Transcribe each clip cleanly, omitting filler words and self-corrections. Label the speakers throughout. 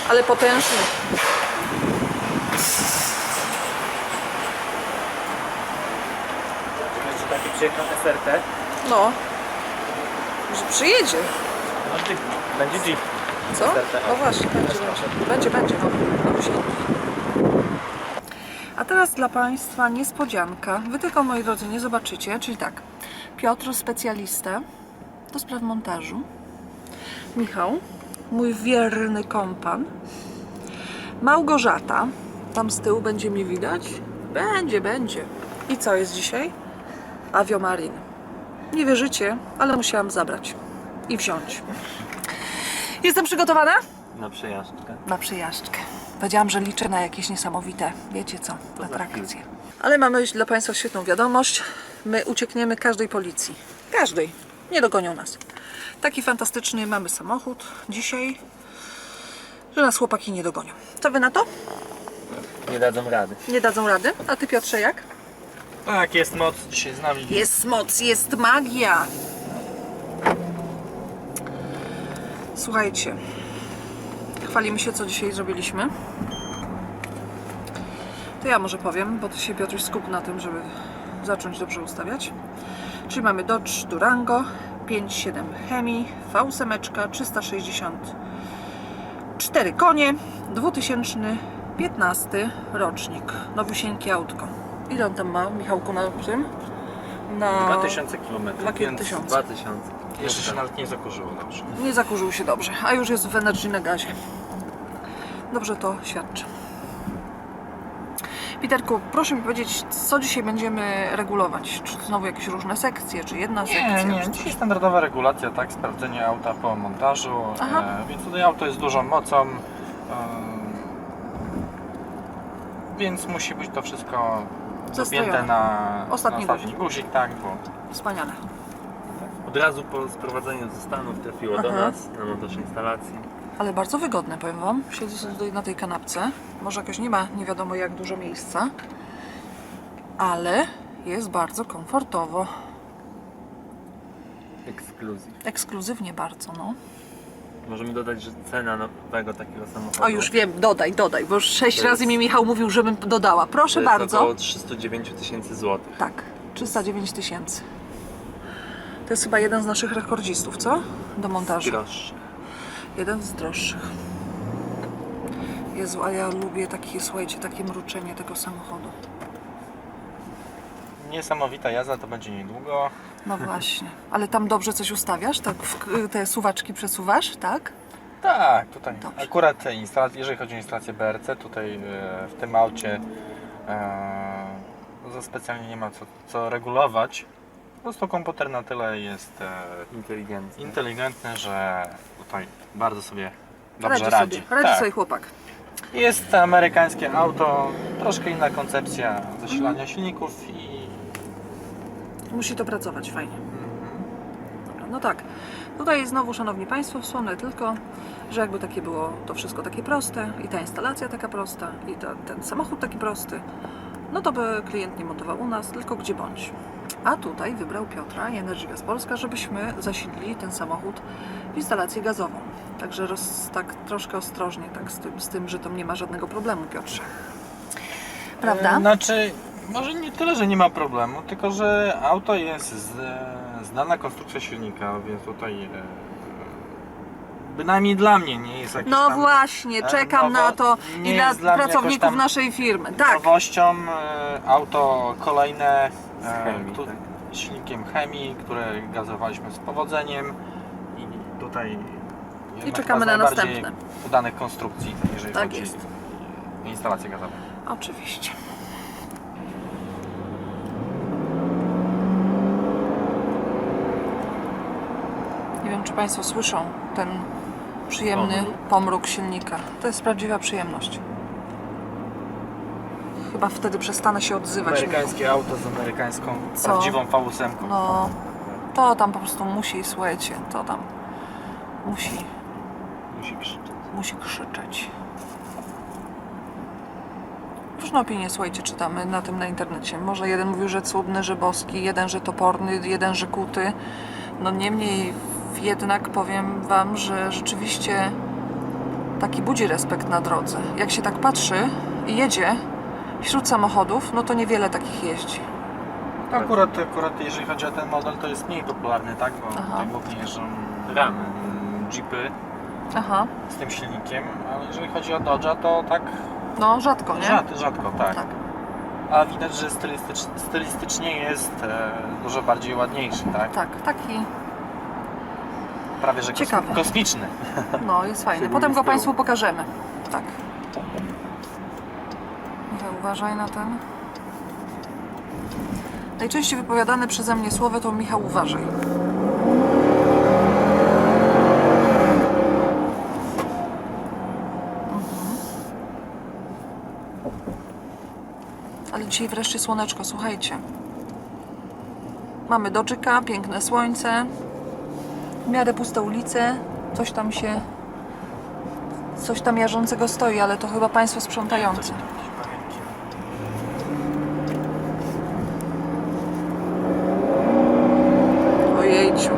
Speaker 1: ale potężny.
Speaker 2: Będzie taki przyjechał SRT.
Speaker 1: No, że przyjedzie.
Speaker 2: No Jeep. Będzie Jeep.
Speaker 1: Co?
Speaker 2: SRT.
Speaker 1: No właśnie, będzie, no. A teraz dla Państwa niespodzianka. Wy tylko, moi drodzy, nie zobaczycie, czyli tak, Piotr, specjalista do spraw montażu, Michał, mój wierny kompan, Małgorzata, tam z tyłu będzie mi widać? Będzie. I co jest dzisiaj? Aviomarin. Nie wierzycie, ale musiałam zabrać i wziąć. Jestem przygotowana?
Speaker 2: Na przejażdżkę.
Speaker 1: Na przyjażdżkę. Powiedziałam, że liczę na jakieś niesamowite, wiecie co,
Speaker 2: To za
Speaker 1: atrakcje. Ale mamy dla Państwa świetną wiadomość. My uciekniemy każdej policji. Każdej. Nie dogonią nas. Taki fantastyczny mamy samochód dzisiaj, że nas chłopaki nie dogonią. Co Wy na to?
Speaker 2: Nie dadzą rady.
Speaker 1: Nie dadzą rady? A Ty, Piotrze, jak?
Speaker 2: Tak, jest moc dzisiaj z nami.
Speaker 1: Jest moc, jest magia. Słuchajcie, chwalimy się, co dzisiaj zrobiliśmy. To ja może powiem, bo Ty się, Piotruś, skup na tym, żeby zacząć dobrze ustawiać. Czyli mamy Dodge Durango 5.7 Hemi, V8, 364 konie, 2015 rocznik, nowiusieńkie autko. Ile on tam ma, Michałku, na tym? Na
Speaker 2: 2000 km.
Speaker 1: 2000.
Speaker 2: 2000. Jeszcze się nawet nie zakurzyło dobrze.
Speaker 1: Nie zakurzył się dobrze, a już jest w Energy na gazie. Dobrze to świadczy. Piterku, proszę mi powiedzieć, co dzisiaj będziemy regulować? Czy znowu jakieś różne sekcje, czy jedna sekcja?
Speaker 3: Nie,
Speaker 1: czy coś?
Speaker 3: dzisiaj standardowa regulacja, tak, sprawdzenie auta po montażu,
Speaker 1: Aha.
Speaker 3: Więc tutaj auto jest dużą mocą, więc musi być to wszystko
Speaker 1: Zastrojone.
Speaker 3: dopięte na
Speaker 1: Ostatni
Speaker 3: ostatni guzik, tak, bo
Speaker 1: Wspaniale.
Speaker 2: Od razu po sprowadzeniu ze Stanów trafiło do
Speaker 1: Aha.
Speaker 2: nas na montaż instalacji.
Speaker 1: Ale bardzo wygodne, powiem Wam. Siedzę sobie tutaj na tej kanapce. Może jakoś nie ma nie wiadomo jak dużo miejsca, ale jest bardzo komfortowo.
Speaker 2: Ekskluzyw.
Speaker 1: Ekskluzywnie bardzo, no.
Speaker 2: Możemy dodać, że cena nowego takiego samochodu
Speaker 1: O, już wiem, dodaj, bo już 6
Speaker 2: To
Speaker 1: razy
Speaker 2: jest-
Speaker 1: mi Michał mówił, żebym dodała.
Speaker 2: to
Speaker 1: Proszę
Speaker 2: jest
Speaker 1: bardzo.
Speaker 2: około 309 000 złotych.
Speaker 1: Tak, 309 000. To jest chyba jeden z naszych rekordzistów, co? Do montażu.
Speaker 2: Grosz.
Speaker 1: Jeden z droższych. Jezu, a ja lubię takie, słuchajcie, takie mruczenie tego samochodu.
Speaker 3: niesamowita jazda to będzie niedługo.
Speaker 1: No właśnie. Ale tam dobrze coś ustawiasz? Tak te suwaczki przesuwasz, tak?
Speaker 3: Tak, tutaj
Speaker 1: Dobrze.
Speaker 3: akurat jeżeli chodzi o instalację BRC, tutaj w tym aucie za specjalnie nie ma co regulować. Po prostu komputer na tyle jest inteligentny, że tutaj bardzo sobie dobrze radzi.
Speaker 1: Radzi
Speaker 3: Tak.
Speaker 1: sobie chłopak.
Speaker 3: Jest amerykańskie auto, troszkę inna koncepcja zasilania silników i
Speaker 1: Musi to pracować fajnie. Dobra, no tak. Tutaj znowu, szanowni Państwo, wspomnę tylko, że jakby takie było to wszystko takie proste i ta instalacja taka prosta i ten samochód taki prosty, no to by klient nie montował u nas, tylko gdzie bądź. A tutaj wybrał Piotra i Energy Gas Polska, żebyśmy zasilili ten samochód w instalację gazową. Także tak troszkę ostrożnie tak z tym, że tam nie ma żadnego problemu, Piotrze. Prawda?
Speaker 3: Znaczy, może nie tyle, że nie ma problemu, tylko że auto jest znana konstrukcja silnika, więc tutaj bynajmniej dla mnie nie jest jakieś
Speaker 1: No
Speaker 3: tam
Speaker 1: właśnie, czekam na to
Speaker 3: nie
Speaker 1: i dla
Speaker 3: jest dla mnie jakoś
Speaker 1: pracowników
Speaker 3: tam
Speaker 1: naszej firmy. Tak,
Speaker 3: nowością. Auto kolejne
Speaker 2: Z chemii, tak.
Speaker 3: silnikiem chemii, które gazowaliśmy z powodzeniem i tutaj jedna
Speaker 1: czekamy
Speaker 3: chyba z
Speaker 1: na
Speaker 3: najbardziej
Speaker 1: następne.
Speaker 3: udanych konstrukcji, jeżeli
Speaker 1: Tak
Speaker 3: chodzi
Speaker 1: jest.
Speaker 3: o instalację gazową.
Speaker 1: oczywiście. Nie wiem, czy Państwo słyszą ten przyjemny pomruk silnika. To jest prawdziwa przyjemność. Chyba wtedy przestanę się odzywać.
Speaker 3: Amerykańskie auto z amerykańską,
Speaker 1: Co?
Speaker 3: prawdziwą V8.
Speaker 1: No, to tam po prostu musi, słuchajcie, to tam musi krzyczeć. Różne opinie, słuchajcie, czytamy na internecie. Może jeden mówił, że cudny, że boski, jeden, że toporny, jeden, że kuty. No niemniej jednak powiem Wam, że rzeczywiście taki budzi respekt na drodze. Jak się tak patrzy i jedzie wśród samochodów, no to niewiele takich jeździ.
Speaker 3: Akurat jeżeli chodzi o ten model, to jest mniej popularny, tak? Bo
Speaker 1: Aha.
Speaker 3: tutaj głównie jeżdżą
Speaker 2: Ramy.
Speaker 3: jeepy
Speaker 1: Aha,
Speaker 3: z tym silnikiem, ale jeżeli chodzi o Dodge'a, to tak
Speaker 1: no rzadko, nie?
Speaker 3: rzadko, tak.
Speaker 1: Tak.
Speaker 3: A widać, że stylistycznie jest dużo bardziej ładniejszy, tak?
Speaker 1: Tak, taki,
Speaker 3: Prawie że
Speaker 1: Ciekawy.
Speaker 3: kosmiczny.
Speaker 1: no jest fajny.
Speaker 2: Szczególnie
Speaker 1: Potem
Speaker 2: z
Speaker 1: go
Speaker 2: tyłu.
Speaker 1: Państwu pokażemy. Tak. Michał, uważaj na ten. Najczęściej wypowiadane przeze mnie słowo to Michał, uważaj. Ale dzisiaj wreszcie słoneczko, słuchajcie. Mamy Dodge'ika, piękne słońce, w miarę puste ulice, coś tam jarzącego stoi, ale to chyba Państwo sprzątający. Ojejciu.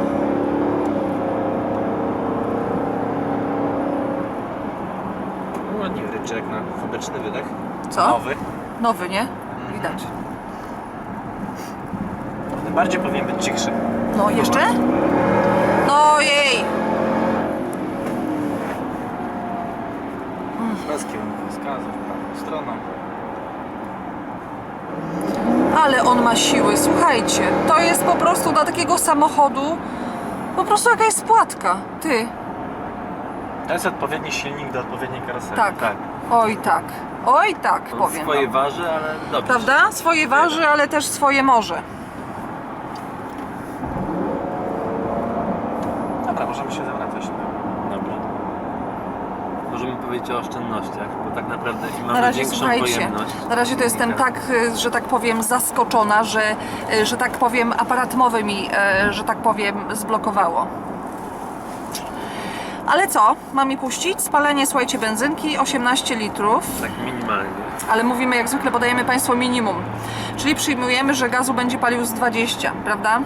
Speaker 3: Ładnie ryczy jak na fabryczny wydech.
Speaker 1: Co?
Speaker 3: Nowy.
Speaker 1: Nowy, nie? Widać.
Speaker 3: Bardziej powinien być cichszy.
Speaker 1: No, jeszcze? No jej!
Speaker 3: Bez kierunkowskazów, prawą stroną.
Speaker 1: Ale on ma siły, słuchajcie. To jest po prostu dla takiego samochodu po prostu jakaś spłatka. Ty.
Speaker 3: To jest odpowiedni silnik do odpowiedniej karoserii.
Speaker 1: Tak. Oj tak. Oj tak,
Speaker 2: On
Speaker 1: powiem
Speaker 2: swoje
Speaker 1: wam.
Speaker 2: waży, ale dobrze.
Speaker 1: Prawda? Swoje waży, ale też swoje może.
Speaker 3: Dobra, możemy się zawracać.
Speaker 2: Dobra. Możemy powiedzieć o oszczędnościach, bo tak naprawdę im
Speaker 1: Na
Speaker 2: mamy
Speaker 1: razie
Speaker 2: większą
Speaker 1: słuchajcie,
Speaker 2: pojemność.
Speaker 1: na razie to jestem tak, że tak powiem, zaskoczona, że tak powiem, aparat mowy mi, że tak powiem, zblokowało. Ale co? Mam mi puścić? Spalenie, słuchajcie, benzynki 18 litrów,
Speaker 2: Tak minimalnie.
Speaker 1: ale mówimy, jak zwykle podajemy Państwu minimum. Czyli przyjmujemy, że gazu będzie palił z 20, prawda?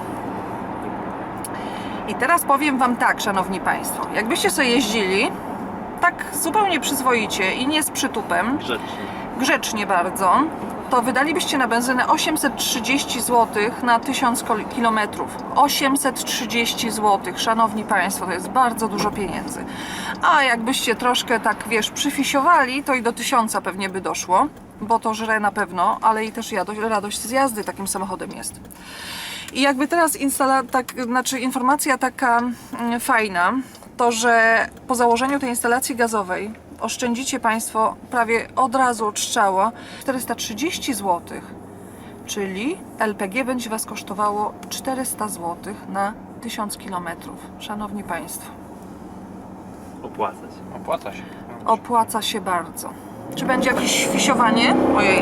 Speaker 1: I teraz powiem Wam tak, Szanowni Państwo, jakbyście sobie jeździli tak zupełnie przyzwoicie i nie z przytupem, grzecznie bardzo, to wydalibyście na benzynę 830 zł na 1000 km. 830 zł, Szanowni Państwo, to jest bardzo dużo pieniędzy. A jakbyście troszkę tak, wiesz, przyfisiowali, to i do 1000 pewnie by doszło, bo to żre na pewno, ale i też radość z jazdy takim samochodem jest. I jakby teraz informacja taka fajna, to że po założeniu tej instalacji gazowej oszczędzicie Państwo prawie od razu od strzała 430 zł, czyli LPG będzie Was kosztowało 400 zł na 1000 km. Szanowni Państwo,
Speaker 2: Opłaca się.
Speaker 3: Opłaca się.
Speaker 1: opłaca się bardzo. Czy będzie jakieś fisiowanie? Ojej.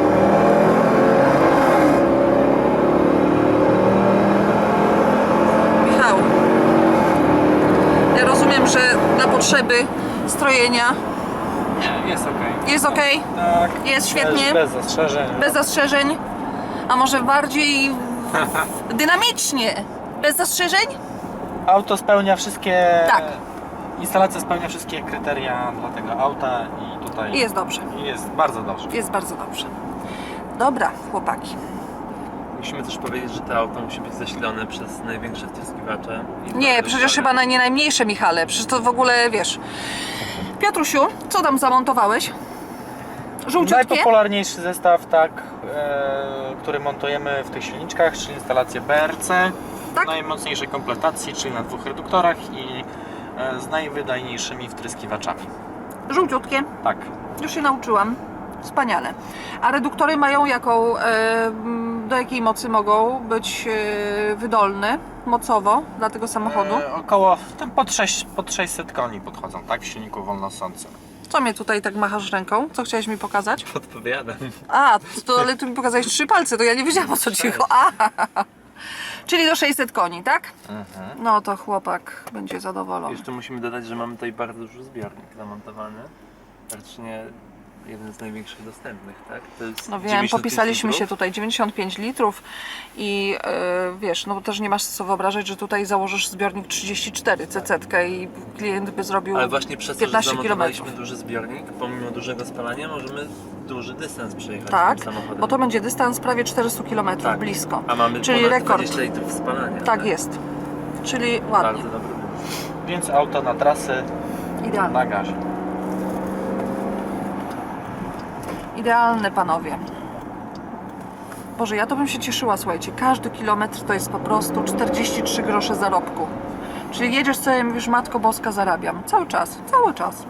Speaker 1: Michał, ja rozumiem, że na potrzeby strojenia
Speaker 3: Nie, jest ok.
Speaker 1: jest ok?
Speaker 3: Tak.
Speaker 1: Jest świetnie?
Speaker 3: Bez zastrzeżeń.
Speaker 1: Bez zastrzeżeń? A może bardziej dynamicznie? Bez zastrzeżeń?
Speaker 3: Auto spełnia wszystkie...
Speaker 1: Tak.
Speaker 3: Instalacja spełnia wszystkie kryteria dla tego auta i tutaj
Speaker 1: I jest dobrze.
Speaker 3: jest bardzo dobrze.
Speaker 1: Jest bardzo dobrze. Dobra, chłopaki.
Speaker 2: Musimy też powiedzieć, że to auto musi być zasilone przez największe wtryskiwacze. i
Speaker 1: Nie,
Speaker 2: bardzo
Speaker 1: przecież
Speaker 2: stare.
Speaker 1: chyba nie najmniejsze, Michale. Przecież to w ogóle, wiesz... Piotrusiu, co tam zamontowałeś? Żółciutkie?
Speaker 3: Najpopularniejszy zestaw, tak, który montujemy w tych silniczkach, czyli instalację BRC,
Speaker 1: Tak?
Speaker 3: najmocniejszej kompletacji, czyli na 2 reduktorach i z najwydajniejszymi wtryskiwaczami.
Speaker 1: Żółciutkie.
Speaker 3: Tak.
Speaker 1: Już się nauczyłam. Wspaniale. A reduktory mają jaką, do jakiej mocy mogą być wydolne mocowo dla tego samochodu?
Speaker 3: Około pod 600 koni podchodzą, tak, w silniku wolnosącym.
Speaker 1: Co mnie tutaj tak machasz ręką? Co chciałeś mi pokazać?
Speaker 2: Podpowiadam.
Speaker 1: A, ale tu mi pokazałeś 3 palce, to ja nie wiedziałam, o co ci chodzi. Czyli do 600 koni, tak? No to chłopak będzie zadowolony.
Speaker 2: Jeszcze musimy dodać, że mamy tutaj bardzo duży zbiornik zamontowany. Praktycznie jeden z największych dostępnych, tak? To jest
Speaker 1: No wiem,
Speaker 2: 95
Speaker 1: popisaliśmy się
Speaker 2: litrów.
Speaker 1: tutaj 95 litrów i wiesz, no bo też nie masz co wyobrażać, że tutaj założysz zbiornik 34 CC i klient by zrobił
Speaker 2: Ale właśnie przez to, że
Speaker 1: 15
Speaker 2: zamontowaliśmy
Speaker 1: km.
Speaker 2: duży zbiornik, pomimo dużego spalania możemy duży dystans przejechać
Speaker 1: Tak,
Speaker 2: tym samochodem.
Speaker 1: bo to będzie dystans prawie 400 km,
Speaker 2: Tak.
Speaker 1: blisko.
Speaker 2: A mamy
Speaker 1: czyli
Speaker 2: ponad
Speaker 1: rekord.
Speaker 2: 20 litrów spalania.
Speaker 1: Tak jest. Czyli ładnie,
Speaker 2: Bardzo dobry wymysł.
Speaker 3: Więc auto na trasy
Speaker 1: idealne.
Speaker 3: na gazie.
Speaker 1: Idealne, panowie. Boże, ja to bym się cieszyła, słuchajcie. Każdy kilometr to jest po prostu 43 grosze zarobku. Czyli jedziesz sobie i mówisz, Matko Boska, zarabiam. Cały czas, cały czas.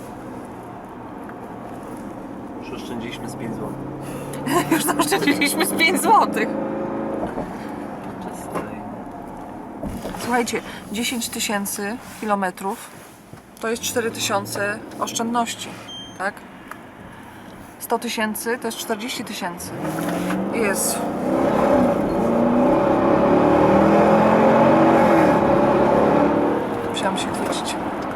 Speaker 2: Już oszczędziliśmy z 5 zł.
Speaker 1: Już zaoszczędziliśmy z 5 zł.
Speaker 2: Podczas tej...
Speaker 1: Słuchajcie, 10 tysięcy kilometrów to jest 4 tysiące oszczędności, tak? 100 tysięcy to jest 40 tysięcy. Jezu. Musiałam się chwycić.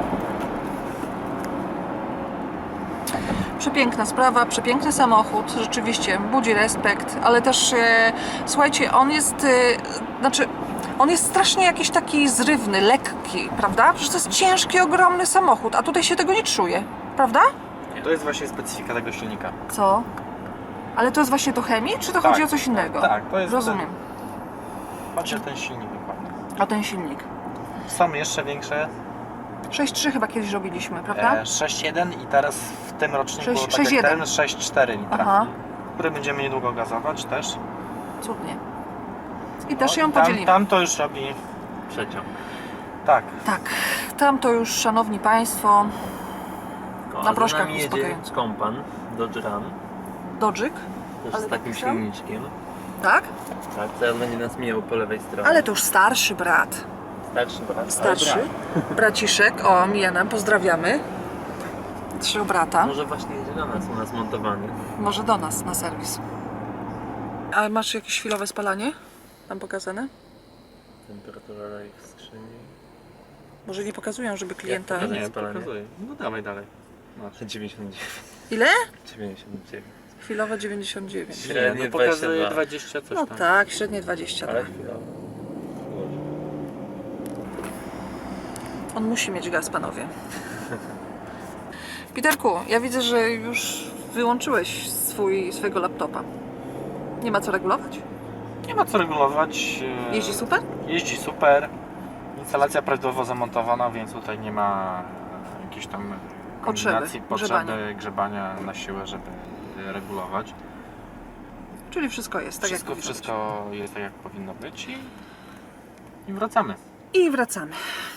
Speaker 1: Przepiękna sprawa, przepiękny samochód, rzeczywiście budzi respekt, ale też słuchajcie, on jest, znaczy on jest strasznie jakiś taki zrywny, lekki, prawda? Przecież to jest ciężki, ogromny samochód, a tutaj się tego nie czuje, prawda?
Speaker 3: To jest właśnie specyfika tego silnika.
Speaker 1: Co? Ale to jest właśnie do chemii, czy to
Speaker 3: Tak.
Speaker 1: chodzi o coś innego?
Speaker 3: Tak, to jest
Speaker 1: Rozumiem.
Speaker 3: Patrzcie ten silnik dokładnie.
Speaker 1: A ten silnik.
Speaker 3: Są jeszcze większe.
Speaker 1: 6.3 chyba kiedyś robiliśmy, prawda?
Speaker 3: 6.1 i teraz w tym roczniku,
Speaker 1: 6,1.
Speaker 3: tak jak ten, 6.4 litra.
Speaker 1: Aha,
Speaker 3: Który będziemy niedługo gazować też.
Speaker 1: cudnie. I też
Speaker 3: No,
Speaker 1: ją podzielimy.
Speaker 3: Tam to już robi.
Speaker 2: Przeciąg.
Speaker 3: Tak.
Speaker 1: Tak, tam to już, szanowni państwo,
Speaker 2: No,
Speaker 1: Na
Speaker 2: a za
Speaker 1: proszkach
Speaker 2: nami jedzie
Speaker 1: uspokajająco.
Speaker 2: kompan Dodge Ram,
Speaker 1: Dodżyk,
Speaker 2: też
Speaker 1: Ale
Speaker 2: z takim
Speaker 1: taki sam?
Speaker 2: silniczkiem.
Speaker 1: tak?
Speaker 2: Tak, teraz będzie nas mijał po lewej stronie.
Speaker 1: Ale to już starszy brat.
Speaker 2: Starszy brat.
Speaker 1: Starszy.
Speaker 2: Ale
Speaker 1: Braciszek, o, mija nam, pozdrawiamy. Trzy brata.
Speaker 2: Może właśnie jedzie do nas, u nas montowany.
Speaker 1: Może do nas na serwis. A masz jakieś chwilowe spalanie? Tam pokazane?
Speaker 2: Temperatura olej w skrzyni.
Speaker 1: Może nie pokazują, żeby klienta...
Speaker 2: pokazać?
Speaker 3: Nie,
Speaker 2: spalanie.
Speaker 3: pokazuję. No dawaj dalej. Masz.
Speaker 2: 99.
Speaker 1: Ile?
Speaker 2: 99.
Speaker 1: Chwilowe 99.
Speaker 2: Średnie
Speaker 3: no pokazuje
Speaker 2: 22.
Speaker 3: 20 coś
Speaker 1: No
Speaker 2: tak.
Speaker 3: tam.
Speaker 1: tak, średnie 20.
Speaker 2: Ale
Speaker 1: Tak.
Speaker 2: chwilowo.
Speaker 1: On musi mieć gaz, panowie. Piterku, ja widzę, że już wyłączyłeś swojego laptopa. Nie ma co regulować?
Speaker 3: Nie ma co regulować.
Speaker 1: Jeździ super?
Speaker 3: Jeździ super. Instalacja prawidłowo zamontowana, więc tutaj nie ma jakiejś tam kombinacji, potrzeby grzebania na siłę, żeby regulować.
Speaker 1: Czyli wszystko jest tak, jak powinno
Speaker 3: Wszystko jest tak, jak powinno być i wracamy.
Speaker 1: być. I wracamy.